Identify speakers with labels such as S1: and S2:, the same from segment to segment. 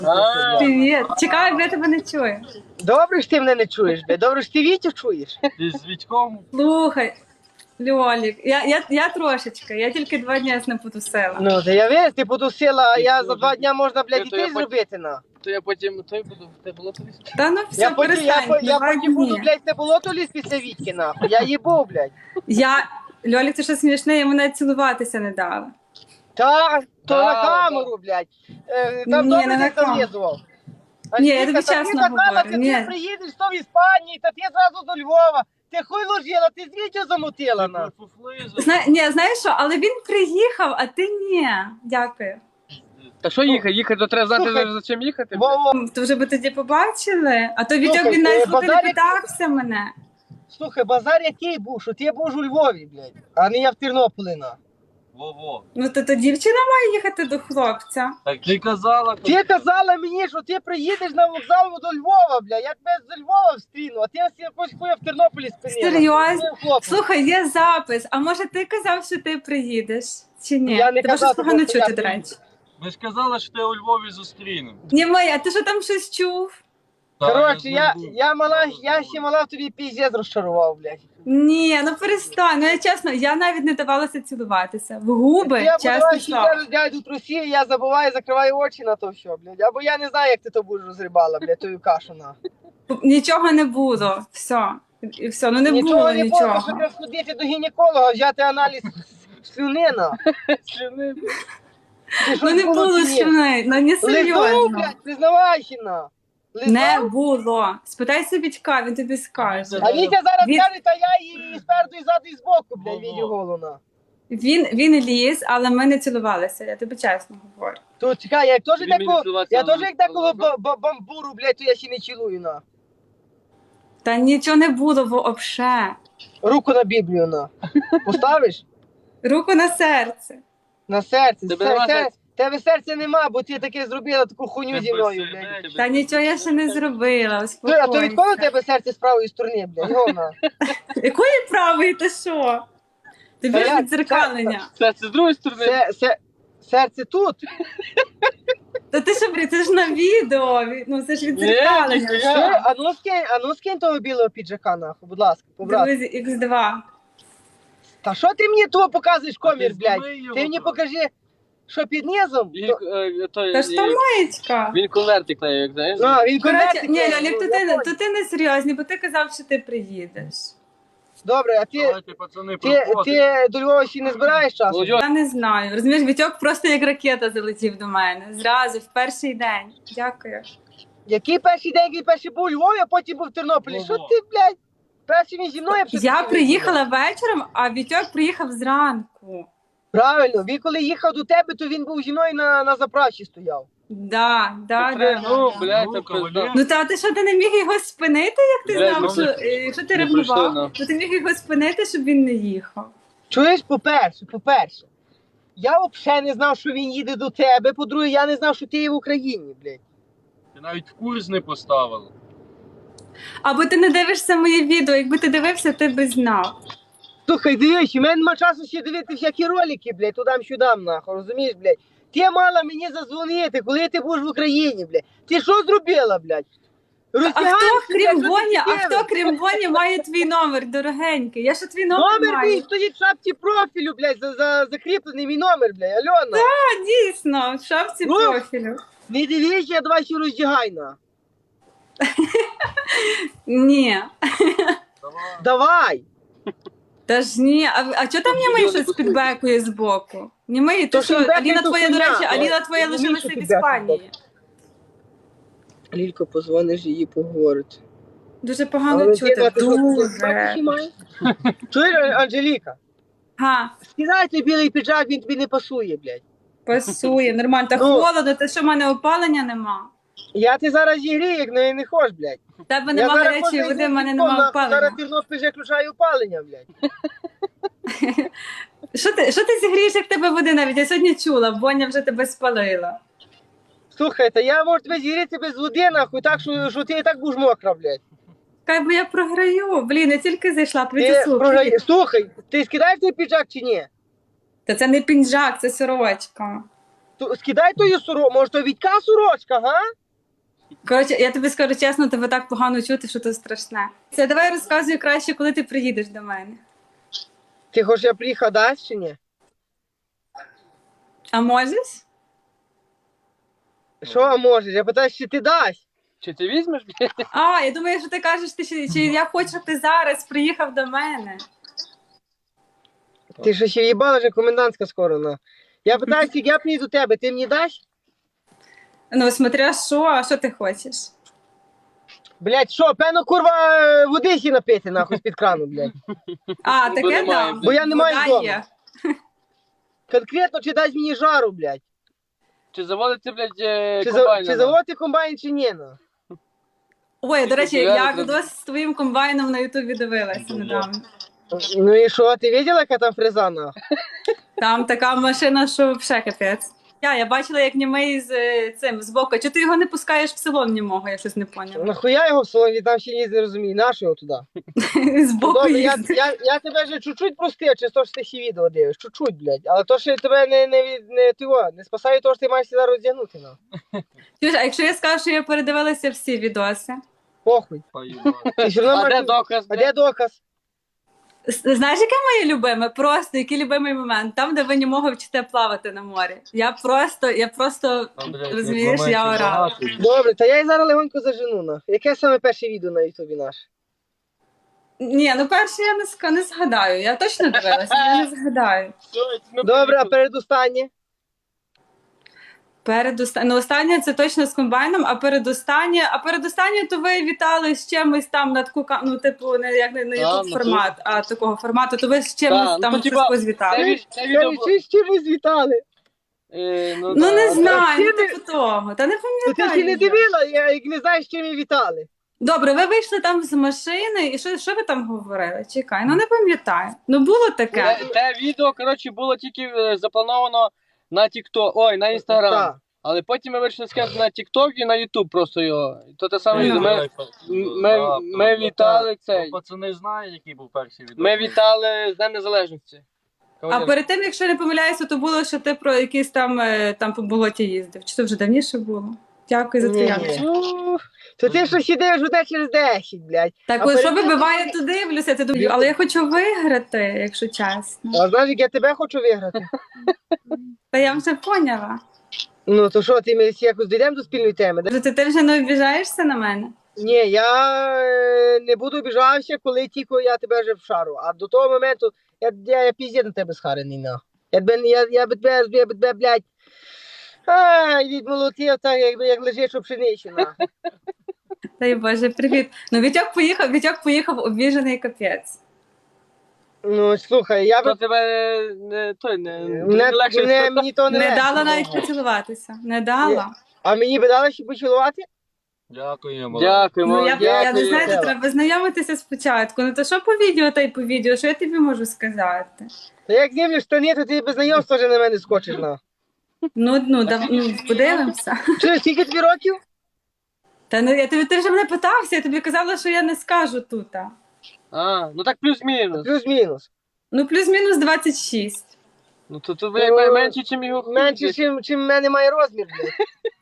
S1: Привіт. Чекай, я тебе не чую.
S2: Добре, що ти мене не чуєш, бля. Добре, що ти Вітю чуєш.
S3: Ти з Вітьком?
S1: Слухай, Льолік, я трошечки, я тільки 2 дні не потусила.
S2: Ну, та я весь, ти потусила, а я за 2 дня можна, блядь,
S3: То
S2: дітей
S3: я
S2: зробити, на.
S3: То я потім той буду, те було тобі?
S1: Та ну все,
S2: Я потім,
S1: перестань,
S2: я
S1: 2
S2: потім буду,
S1: дні.
S2: блядь, не було то ліз після Вітьки, нахуй. Я їбу, блядь.
S1: Льолік, ти що смішне, я мене цілуватися не дала.
S2: Так, то
S3: Да,
S2: на
S3: да.
S2: камеру, блядь. Там
S1: Ні,
S2: добре
S1: не на
S2: не
S1: камеру.
S2: зав'язував.
S1: Ні, я
S2: Анжеліка,
S1: тобі
S2: та
S1: чесно
S2: ти казала,
S1: говорю,
S2: ти
S1: ні.
S2: приїдеш то в Іспанії, та ти зразу до Львова. Ти хуй ложила, ти з Вітю замутила, на.
S1: Знаєш що, але він приїхав, а ти ні. Дякую.
S3: Та що їхати? Їхати, то треба знати,
S2: Слухай,
S3: за чим їхати.
S2: Во-во.
S1: То вже би тоді побачили, а то Вітьок,
S2: Слухай,
S1: він навіть не
S2: базарик-
S1: питався мене.
S2: Слухай, базар який був, що ти був у Львові, блядь, а не я в Тернополі, на.
S3: Во-во.
S1: Ну то дівчина має їхати до хлопця.
S3: Так ти казала.
S2: Ти казала мені, що ти приїдеш на вокзал до Львова, бля. Я тебе з Львова встріну, а ти якось хуя в Тернополі спинила.
S1: Серйозно?
S2: Ти, хлопець.
S1: Слухай, є запис. А може ти казав, що ти приїдеш? Чи ні?
S2: Я не
S1: Тебе
S2: казав,
S1: щось погано
S2: просто
S1: чути,
S2: я
S1: до
S2: приїду.
S1: речі.
S3: Ви ж казала, що ти у Львові зустрінемо.
S1: Ні, Майя, ти що там щось чув?
S2: Коротше, я ще мала в тобі піздець розчарував, блядь.
S1: Ні, ну перестань. Ну я чесно, я навіть не давалася цілуватися. В губи,
S2: Я
S1: чесно
S2: подаваю, що
S1: слово.
S2: я дядю трусі, я забуваю, закриваю очі на то все, блядь. Або я не знаю, як ти то будеш розрибала, блядь, тою кашу, на.
S1: Нічого не було. Все. І все, ну не було
S2: не було, що
S1: нічого.
S2: треба сходити до гінеколога, взяти аналіз слюни, на.
S3: Слюни.
S2: Чи щось
S1: Ну не було
S2: чи ні?
S1: слюни, ну не
S2: Лизав,
S1: серйозно.
S2: блядь, признавайся, на. Лизав?
S1: Не було. Спитайся Вітька, він тобі скаже.
S2: А Вітя зараз
S1: Від-
S2: каже, та я її спереду і ззаду і збоку, блядь, відю голона.
S1: Він ліз, але ми не цілувалися, я тобі чесно говорю.
S2: То чекай, я теж
S3: Він мені
S2: такого,
S3: цілуватися
S2: я
S3: не
S2: теж як такого
S3: буде.
S2: бамбуру, блядь, то я ще не цілую, на.
S1: Та нічого не було вообще.
S2: Руку на Біблію, на. Поставиш?
S1: Руку на серце.
S2: На серце.
S3: Тебе нема серця?
S2: Тебе серця нема, бо ти таке зробила таку хуйню зі мною, блядь.
S1: Та нічого я ще не зробила,
S2: А то від кого у
S1: успокойся.
S2: тебе серце з правої сторони, блядь? Йона.
S1: Якої правої ти що? Тобі
S2: Та
S1: ж
S2: я-
S1: відзеркалення.
S3: Це з другої сторони.
S2: Серце тут.
S1: Та ти що, це ж на відео, ну це ж відзеркалення.
S3: Ні,
S2: Що? А ну скинь того білого піджака, нахуй, будь ласка, побрат.
S1: Друзі, Х2.
S2: Та що ти мені того показуєш, комір,
S3: ти
S2: блядь?
S3: зніми його,
S2: Ти мені
S3: то.
S2: покажи, що під низом.
S1: Та ж то маєчка.
S3: Він конвертик клеїв, як знаєш?
S2: А, він
S1: Коротше,
S2: конвертик.
S1: ні,
S2: клеїть,
S1: Лялік,
S2: ну,
S1: то
S2: я понял.
S1: ти не серйозний, бо ти казав, що ти приїдеш.
S2: Добре, а ти,
S3: Давайте, пацани,
S2: ти,
S3: проходимо.
S2: ти до Львова ще не збираєш часу?
S3: Володя,
S1: Я не знаю. Розумієш, Вітьок просто як ракета залетів до мене. Зразу, в перший день. Дякую.
S2: Який перший день, який перший був у Львові, а потім був в Тернополі?
S3: Во-во.
S2: Що ти, блядь? Перший він зі мною
S1: Я приїхала вечором, а Вітьок приїхав зранку.
S2: Правильно, він коли їхав до тебе, то він був зі мною на заправці стояв.
S1: Да.
S3: ну, блядь, та пизда.
S1: Ну та ти що, ти не міг його спинити, як ти
S3: Блядь,
S1: знав,
S3: ну,
S1: що
S3: не-
S1: якщо ти
S3: не пройшли,
S1: ревнував,
S3: ну.
S1: то ти міг його спинити, щоб він не їхав.
S2: Чуєш, по-перше, я взагалі не знав, що він їде до тебе, по-друге, я не знав, що ти є в Україні, блядь.
S3: Ти навіть курс не поставила.
S1: Або ти не дивишся моє відео, якби ти дивився, ти би знав.
S2: Слухай, дивись, у мене нема часу ще дивити всякі ролики, блядь, тудам-сюдам, нахуй, розумієш, блядь. Ти мала мені задзвонити, коли ти будеш в Україні, блядь. Ти що зробила, блядь?
S1: А
S2: Роздягаєшся,
S1: хто крім
S2: блядь,
S1: Боні,
S2: що ти
S1: хто
S2: дивиш?
S1: крім Боні має твій номер, дорогенький? Я ще твій номер
S2: Номер
S1: маю.
S2: мій стоїть в шапці профілю, блядь, закріплений мій номер, блядь, Альона.
S1: А, дійсно, в шапці
S2: Ну.
S1: профілю.
S2: Не дивись, я давай ще роздягай, на.
S1: Ні.
S2: Давай.
S1: Та ж ні, а чого там німий щось підбекує збоку? Німий,
S2: То
S1: то що,
S2: фідбек
S1: Аліна
S2: це
S1: твоя, до
S2: хуйня.
S1: речі, Аліна твоя
S2: Ну,
S1: лишилася
S2: що
S1: в
S2: фідбек,
S1: Іспанії.
S2: Лілько, позвониш її поговорити.
S1: Дуже погано чути, дуже.
S2: Чуєш, Анжеліка?
S1: Га,
S2: Скидай той білий піджак, він тобі не пасує, блядь.
S1: пасує, нормально. Та
S2: Ну.
S1: холодно, та що в мене опалення нема.
S2: Я ти зараз зігрію, як не хочеш, блядь.
S1: В тебе
S2: Я
S1: нема
S2: зараз
S1: гарячої
S2: можу
S1: води, в мене
S2: йти в
S1: нема
S2: телефон, Зараз
S1: опалення.
S2: Тернопіль вже включає опалення, блядь.
S1: Що ти зігрієш, як тебе води навіть? Я сьогодні чула, Боня вже тебе спалила.
S2: Слухай, та я можу тебе зігріти без води, нахуй, так, що ти і так будеш мокра, блядь.
S1: Хай бо я програю. Блін, я тільки зайшла,
S2: Ти
S1: привіт,
S2: Слухай, ти скидаєш той піджак чи ні?
S1: Та це не пінжак, це сорочка.
S2: Скидай тою сорочку, може то Вітька сорочка, га?
S1: Коротше, я тобі скажу чесно, тебе так погано чути, що це страшне. Це давай розказуй краще, коли ти приїдеш до мене.
S2: Ти хочеш я приїхав дасть чи ні?
S1: А можеш?
S2: Що а можеш? Я питаю, чи ти дасть?
S3: Чи ти візьмеш?
S1: А, я думаю, що ти кажеш, чи я хочу, щоб ти зараз приїхав до мене.
S2: Ти що ще їбала, вже комендантська скоро, на. Я питаю, як я приїду до тебе, ти мені дасть?
S1: Ну, смотря що, а що ти хочеш?
S2: Блять, що, певно, курва, води сі напити, нахуй, з-під крану, блядь.
S1: А,
S3: Бо
S1: таке
S3: немає,
S1: дам.
S3: блядь.
S2: Бо я не маю
S1: Вода
S2: вдома.
S1: є.
S2: Конкретно, чи дасть мені жару, блядь.
S3: Чи заводити, блядь,
S2: Чи
S3: комбайн?
S2: заводити комбайн, чи ні, ну.
S1: Ой, до речі,
S3: Я
S1: я
S3: не
S1: відос з твоїм комбайном на Ютубі дивилася недавно.
S2: Ну і що, ти бачила, яка там фреза, нахуй?
S1: Там така машина, що взагалі капець. Я бачила, як німий з цим збоку. Чи ти його не пускаєш в село німого, я щось не поняла.
S2: Нахуя його в салоні, там ще ні не розумію, нащо його туди?
S1: Збоку
S2: Добре,
S1: їздить.
S2: я тебе вже чуть-чуть простив, чи то, що ти ще відео дивиш, чуть-чуть, блядь. Але то, що тебе не спасає, то, що ти маєш сюди роздягнути, на.
S1: Чуєш, а якщо я скажу, що я передивилася всі відоси?
S2: Похуй. Ти все одно
S3: А де
S2: маєш-
S3: доказ?
S2: А де доказ?
S1: Знаєш, яке моє любиме? Просто який любимий момент? Там, де ви німого вчите плавати на морі. Я просто розумієш, я орала.
S2: Добре, та я і зараз легонько зажену, на. Яке саме перше відео на ютубі наш?
S1: Ні, ну перше я не згадаю. Я точно дивилася, я не згадаю.
S2: Добре, а передостаннє?
S1: Ну, останнє це точно з комбайном, а передостаннє то ви вітали з чимось там на таку, ну, типу, не як не YouTube
S3: ну,
S1: формат, а такого формату, то ви з чимось
S3: ну,
S1: там
S3: то, типа,
S1: щось звітали.
S3: Це відео...
S2: Чи з чимось вітали?
S1: Ну
S3: да.
S1: не знаю, ну
S2: чим ви-
S1: типу того. Та не
S2: То ти ще
S1: пам'ятаю.
S2: не дивила, як не знаєш, чим і вітали.
S1: Добре, ви вийшли там з машини, і що ви там говорили? Чекай, ну не пам'ятаю. Ну було таке.
S3: Те відео, коротше, було тільки заплановано на TikTok, ой, на Instagram.
S2: Так.
S3: Але потім ми вирішили скинути на TikTok і на YouTube просто його. І то те саме
S1: Ну.
S3: відео. Ми вітали цей.
S4: Пацани знають, який був перший відео.
S3: Ми вітали з Днем Незалежності.
S1: А перед тим, якщо не помиляюся, то було, що ти про якийсь там по болоті їздив. Чи це вже давніше було? Дякую за
S2: Ні,
S1: твій
S2: ні. То ти що ще дивиш буде через 10, блядь.
S1: Так,
S2: А
S1: ось, що
S2: перед тим-
S1: вибиває, то дивлюся, ти думаю, але я хочу виграти, якщо чесно.
S2: А знаєш, як я тебе хочу виграти?
S1: Та я вже поняла.
S2: Ну, то що, ти ми всі якось дійдемо до спільної теми? да?
S1: Ти вже не обіжаєшся на мене?
S2: Ні, я не буду обіжався, коли тільки я тебе вже вшару. А до того моменту я піздє на тебе схарений, на. Я би тебе, блядь, відмолотив так, як лежиш у пшениці, на.
S1: Дай Боже, привіт. Ну, Вітьок поїхав обіжений капець.
S2: Ну, слухай, я
S3: То
S2: би...
S3: тебе не легше.
S2: Мені то не
S1: Не
S2: легше.
S1: дала навіть поцілуватися. Не дала.
S2: А мені би дали ще поцілувати?
S4: Дякуємо.
S3: Дякуємо.
S1: Ну, я не
S2: дякую,
S1: знаю,
S2: Стелла.
S1: треба знайомитися спочатку. Ну то що по відео, та й по відео, що я тобі можу сказати?
S2: Та як знімлю штани, то ти без знайомства вже на мене скочиш, на.
S1: Ну, подивимося.
S2: Чи скільки тобі років?
S1: Та ну ти вже мене питався, я тобі казала, що я не скажу тут.
S3: А, ну так плюс-мінус.
S2: Плюс-мінус.
S1: Ну, плюс-мінус 26.
S3: Ну то ви якби менше, ніж його хуй.
S2: Менше, чим в мене має розмір, блядь.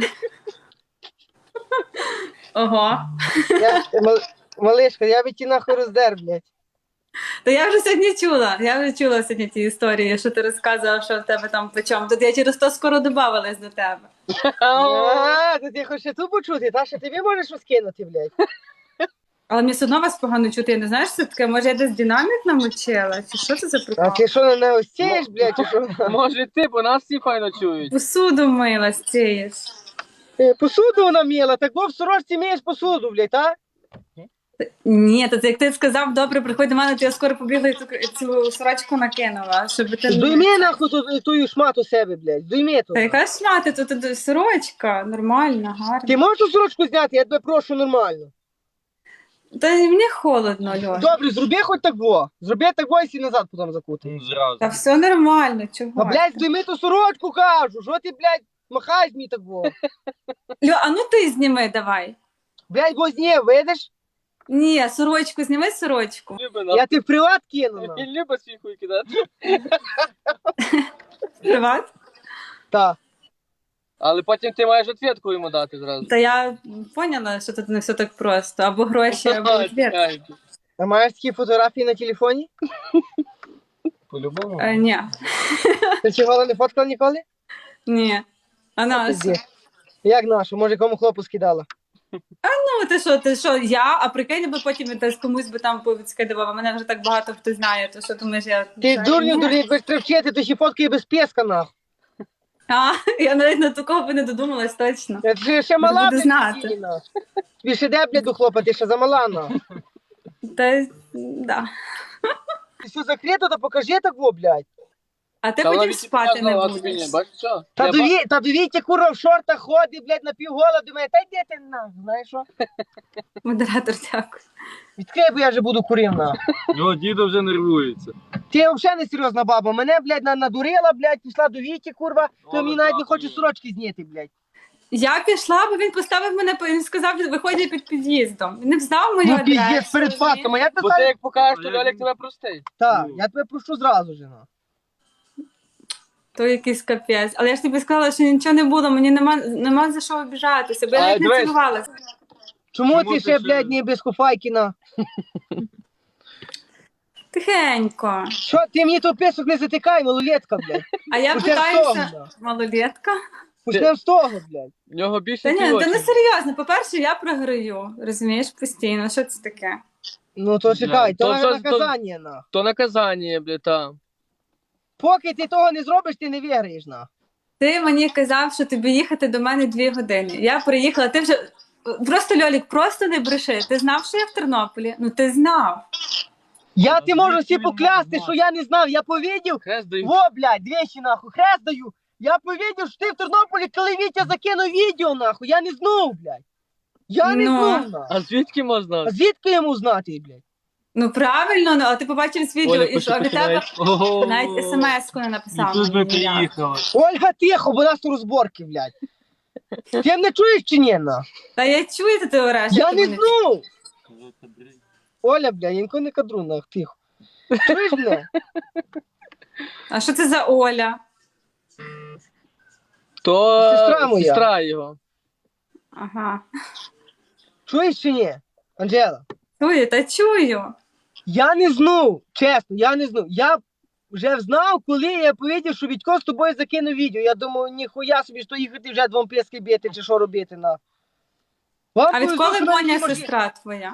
S1: Ого.
S2: Малишка, я би ті нахуй роздер, блядь.
S1: То я вже сьогодні чула. Я вже чула сьогодні ті історії, що ти розказував, що в тебе там плечом. Тут я через то скоро додавалась до тебе.
S2: А, то ти хочеш ту почути, та що тобі можеш розкинути, блядь.
S1: Але мені все одно вас погано чути. Я не знаю, що це таке. Може, я десь динамік намочила? Чи що це за
S2: А
S1: прикол?
S2: ти що не осієш, блядь, чи що?
S3: Може ти, бо нас всі файно чують.
S1: Посуду мила стієш.
S2: Посуду вона міла, так бо в сорочці мієш посуду, блядь, а?
S1: Ні, то це як ти сказав, добре, приходь до мене, то я скоро побігла і цю сорочку накинула, щоб ти...
S2: Здуйми нахуй ту шмату себе, блядь, здуйми ту.
S1: Та яка ж мати, тут сорочка, нормальна, гарна.
S2: Ти можеш ту сорочку зняти, я тебе прошу нормально.
S1: Та мені холодно, Льон.
S2: Добре, зроби хоч так во. Зроби так во і сі назад потім закути.
S4: Ну, зразу.
S1: Та все нормально, чого?
S2: А, блядь, здуйми ту сорочку, кажу, що ти, блядь, махаєш мені так во.
S1: Льо, а ну ти зніми давай.
S2: Блядь, возні, видиш?
S1: Ні, сорочку, зніми сорочку.
S3: Любить нас.
S2: Я ти в приват кину, на.
S3: Він любить свій хуй кидати.
S1: Приват?
S2: Так.
S3: Але потім ти маєш відповідку йому дати зразу.
S1: Та я поняла, що тут не все так просто. Або гроші, або відвід.
S3: Чекай.
S2: А маєш такі фотографії на телефоні?
S4: По-любому.
S1: Ні,
S2: Ти чого не фоткала ніколи?
S1: ні. А на що?
S2: Пизді. Як нашу? Може, кому хлопу скидала?
S1: Ну, ти що, я, а прикинь, би потім десь комусь би там повідскидував, а мене вже так багато хто знає, то що думаєш, я...
S2: Ти
S1: Це-
S2: дурню,
S1: Ні.
S2: дурню, якби вчити, то ще фоткає без песка, нахуй.
S1: А, я навіть на такого би не додумалась, точно.
S2: Ти ще мала,
S1: Буду
S2: блядь,
S1: знати.
S2: такий, нахуй. Тобі ще де, блядь, до хлопа, ти ще замала, нахуй.
S1: Та, да.
S2: Ти все закрито, то покажи так, во, блядь.
S1: А ти
S3: Та вона
S1: потім
S3: від
S1: спати
S3: тебе
S1: не
S3: знала, а тобі
S1: будеш.
S3: ні. Бачиш, що?
S2: Та до Віті, курва, в шортах ходить, блядь, на півгола, думає, та йди ти, нахуй, знаєш що?
S1: Модератор, дякую.
S2: Відкрий, бо я вже буду курив, нахуй.
S4: Його дідо вже нервується.
S2: Ти взагалі не серйозна баба. Мене, блядь, надурила, блядь, пішла до Віті, курва, то
S4: О,
S2: мені навіть не
S4: дякую.
S2: хоче сорочки зняти, блядь.
S1: Я пішла, бо він поставив мене, він сказав, виходить під під'їздом. Він не знав мою
S2: Ну,
S1: адресу.
S2: піздець, перед фактом, а як ти
S3: Бо ти
S2: ставиш?
S3: як покажеш, то Льолік тебе простить.
S2: Так, я тебе прошу зразу ж, нахуй.
S1: То якийсь капець. Але я ж тобі сказала, що нічого не було, мені нема за що обіжатися, бо я
S3: А,
S1: навіть не
S3: дивись.
S1: цілувалася.
S2: Чому
S4: Чому
S2: ти
S4: ти
S2: ще,
S4: ще-
S2: блядь, не без Куфайкіна?
S1: Тихенько.
S2: Що, ти мені то писок не затикай, малолетка, блядь.
S1: А я
S2: Почнем з того,
S1: питаюся,
S2: да.
S1: малолетка.
S2: Почнем з того, блядь.
S3: В нього більше
S1: Та ні,
S3: кілочків.
S1: та не серйозно. По-перше, я програю, розумієш, постійно. Що це таке?
S2: Ну то чекай,
S3: То
S2: то
S3: все-
S2: наказання, нахуй.
S3: То наказання, блядь, там.
S2: Поки ти того не зробиш, ти не виграєш, нахуй.
S1: Ти мені казав, що тобі їхати до мене 2 години. Я приїхала, ти вже. Просто Льолік, просто не бреши. Ти знав, що я в Тернополі? Ну ти знав.
S2: Я ти можу всі
S4: звідки він
S2: поклясти,
S4: знав?
S2: що я не знав, я повідів.
S3: Хрест даю.
S2: Во, блядь, двічі, нахуй, хрест даю. Я повідів, що ти в Тернополі, коли Вітя закинув відео, нахуй, я не знав, блядь. Я не
S1: Ну.
S2: знав, нахуй.
S3: А звідки можна?
S2: А звідки йому знати, блядь?
S1: Ну правильно, ну, а ти побачив відео
S3: Оля,
S1: і що а від тебе
S4: Ого.
S1: навіть смс-ку не написав.
S4: І тут би
S1: мені ніяк.
S4: приїхала.
S2: Ольга, тихо, бо у нас тут розборки, блядь. Ти мене чуєш чи ні, на?
S1: Та я чую, ти ореш.
S2: Я
S1: як
S2: не
S1: ти мене
S2: знав. Оля, блядь, я нікого не кадру, нахуй, тихо. Чуєш мене?
S1: А що це за Оля?
S3: То
S2: Сестра моя.
S3: сестра його.
S1: Ага.
S2: Чуєш чи ні? Анжела,
S1: Чую, та чую.
S2: я не знав, чесно, я не знав. Я вже знав, коли я повідів, що Вітько з тобою закинув відео. Я думав, ніхуя собі, що їхати вже двом писки бити, чи що робити, на. Вам
S1: А
S2: повезло,
S1: відколи
S2: що навіть
S1: Боня
S2: не може-
S1: сестра твоя?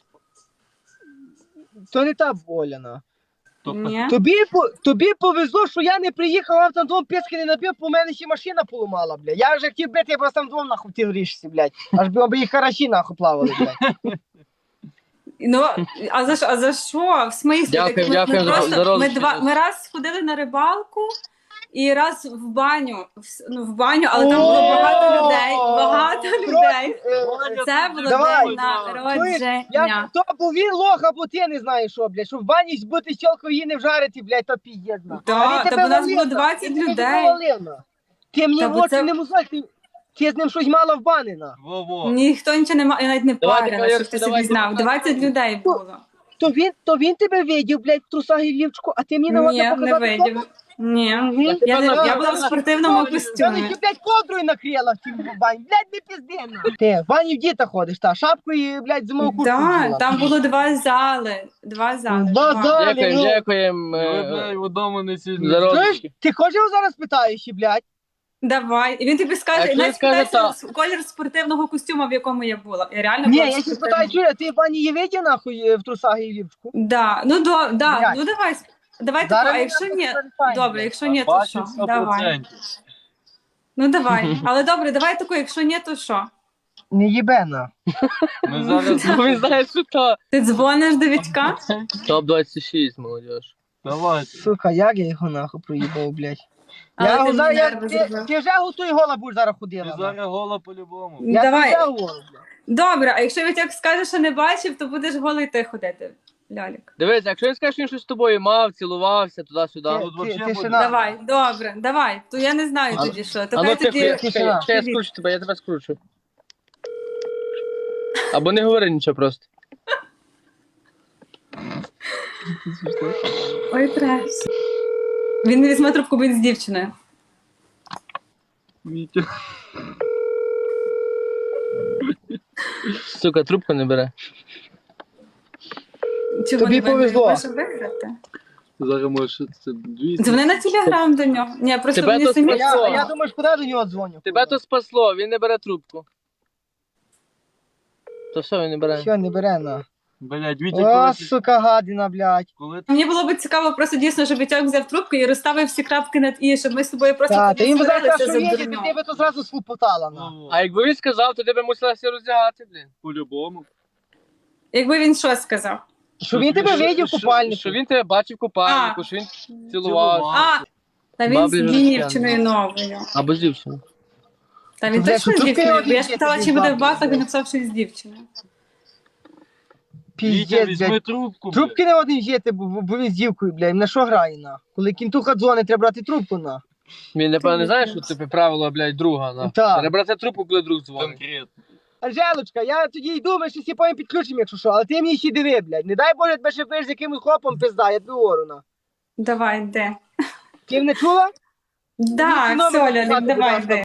S2: То не та Оля, на.
S1: Ні?
S2: Тобі повезло, що я не приїхав, а там двом писки не набив, по мене ще машина поламала, блядь. Я вже хотів бити, я просто там двом нахуй хотів рішся, блядь. Аж би їх хараші нахуй плавали, блядь.
S1: Ну, а за що? В смислі?
S3: Дякую,
S1: Так,
S3: дякую за
S1: ми
S3: розповідь.
S1: ми раз ходили на рибалку і раз в баню. В баню, але там було багато людей. Багато людей. Це було
S2: Давай.
S1: день
S2: Я
S1: народження.
S2: то був він лох, або ти не знаєш що, блядь, що в бані бути щелкою її не вжарити, блядь, то піздець, на.
S1: Да,
S2: А він
S1: та
S2: тебе
S1: бо нас
S2: валив,
S1: було
S2: на.
S1: 20
S2: Він тебе
S1: людей.
S2: валив, на. Ти мені
S1: Та
S2: в
S1: бо
S2: очі
S1: це-
S2: не мусиш, ти з ним щось мала в бані, на.
S4: Во-во.
S1: Ніхто нічого не має, я навіть не
S3: Давайте,
S1: парила,
S3: Валерій,
S1: щоб ти
S3: давайте,
S1: собі знав.
S3: давайте.
S1: 20 людей було.
S2: То він тебе видів, блядь, в трусах і в лівчику, а ти мені
S1: Ні,
S2: нагодно
S1: не
S2: показати.
S1: видів. Ні. Я була в спортивному
S2: Я
S1: костюмі.
S2: ще, блядь, ковдрою накрила в цім бані. Блядь, не пізди, на. Ти в бані в діта ходиш, та, шапку і, блядь, зимову куртку
S1: Так,
S2: вділа.
S1: там було 2 зали. 2 зали.
S2: Два
S1: Два.
S2: зали.
S3: Дякуємо,
S2: ну.
S3: дякуємо.
S4: Одне вдома не сильно.
S3: за роз-
S2: Знаєш, ти хочеш його зараз питаєш, і, блядь?
S1: Давай. І він тобі скаже,
S3: Якщо
S1: навіть
S3: він скаже
S1: спитайся колір спортивного костюму, в якому я була. Я реально
S2: Ні,
S1: була
S2: я
S1: в
S2: ще
S1: спортивному.
S2: спитаю, чує, ти в бані її видів, нахуй, в трусах і в лівчику?
S1: Да, ну да,
S2: Блядь.
S1: ну давай. Давай
S2: Зараз
S1: тако, а
S2: ми
S1: якщо
S2: нам
S1: ні,
S2: перестаємо,
S1: добре,
S2: блядь.
S1: якщо ні, то
S4: Бачу
S1: що?
S4: 100%.
S1: Давай. Ну давай. Але добре, давай тако, якщо ні, то що?
S2: Не їбе, на.
S4: Ми зараз...
S3: Бо він знає, що то.
S1: Ти дзвониш до Вітька?
S3: Топ-26, молодіж.
S4: Давайте.
S2: Сука, як я його нахуй проїбав, блядь.
S1: Але
S2: Я
S1: ти
S2: його зараз,
S1: мені нерви зробив.
S2: ти вже готуй гола будеш зараз
S4: Ти
S2: ходила. на.
S4: зараз гола по-любому.
S2: Я
S1: Давай.
S2: вже гола, блядь.
S1: Добре, а якщо Вітьок скаже, що не бачив, то будеш голий ти ходити, Лялік.
S3: Дивись, якщо він скаже, що він щось з тобою мав, цілувався, туди-сюди.
S2: Ти-
S4: тут вообще
S2: тишина.
S4: буде.
S1: Давай, добре, давай. То я не знаю
S3: А-
S1: тоді що.
S3: А
S1: То
S3: ну
S1: хай
S3: тихо,
S1: тоді...
S2: тишина.
S3: ще я скручу тебе, я тебе скручу. Або не говори нічого просто.
S1: Ой, треш. Він не візьме трубку, бо він з дівчиною.
S4: Вітя.
S3: Сука, трубку не бере.
S1: Чого
S2: Тобі
S1: не виграє?
S2: повезло.
S1: Може виграти?
S4: Зараз може це 200.
S1: Дзвони на телеграм до нього. Ні, просто
S3: Тебе
S1: мені
S3: то
S1: самі.
S3: спасло.
S2: Я думаю, ж куди до нього дзвоню?
S3: Тебе то спасло, він не бере трубку. То все, він не бере.
S2: Що, не бере, на.
S4: Блядь, Вітя,
S2: О,
S4: коли ти...
S2: сука, гадина, блядь.
S4: Коли ти...
S1: Мені було б цікаво просто дійсно, щоб Вітьок взяв трубку і розставив всі крапки над і, щоб ми з тобою просто
S2: Так, та
S1: тоді
S2: їм би зараз
S1: сварилися
S2: що
S1: за
S2: їздити,
S1: дурно.
S2: ти би то зразу слупотала, на.
S4: Ну,
S3: А якби він сказав, то ти би мусила все роздягати, блін.
S4: по-любому.
S1: Якби він що сказав?
S2: Що він тебе видів в купальнику?
S3: Що він тебе бачив в купальнику,
S1: А.
S3: що він цілував.
S1: А, та він
S3: Баблі
S1: з
S3: вже
S1: дівчиною новою.
S3: Або з дівчиною.
S1: Та він
S2: Бля,
S1: точно
S2: що
S1: з
S2: трубки
S1: дівчиною.
S2: один
S1: Я ж
S2: є,
S1: питала,
S2: тобі
S1: чи буде в
S2: бабки,
S1: басах, він
S2: блядь.
S1: написав, що з дівчиною.
S4: Вітя,
S2: Піздець,
S4: візьми
S2: блядь.
S4: трубку, блядь.
S2: Трубки не один жити, бо він з дівкою, блядь. На що грає, на? Коли кінтуха дзвонить, треба брати трубку, на.
S3: Він, напевно, не знає, що це правило, блядь, друга. На.
S2: Так.
S3: Треба брати трубку, коли друг дзвонить.
S4: Конкретно.
S2: Анжелочка, я тоді йду, ми ще всі потім підключимо, якщо що, але ти мені ще диви, блядь. Не дай Боже, тебе ще виш з якимось хлопом пизда, я тобі говорю, на.
S1: Давай, де?
S2: Ти не чула?
S1: Так,
S2: номер
S1: Соля,
S2: написати, будь
S1: давай,
S2: ласка,
S1: де?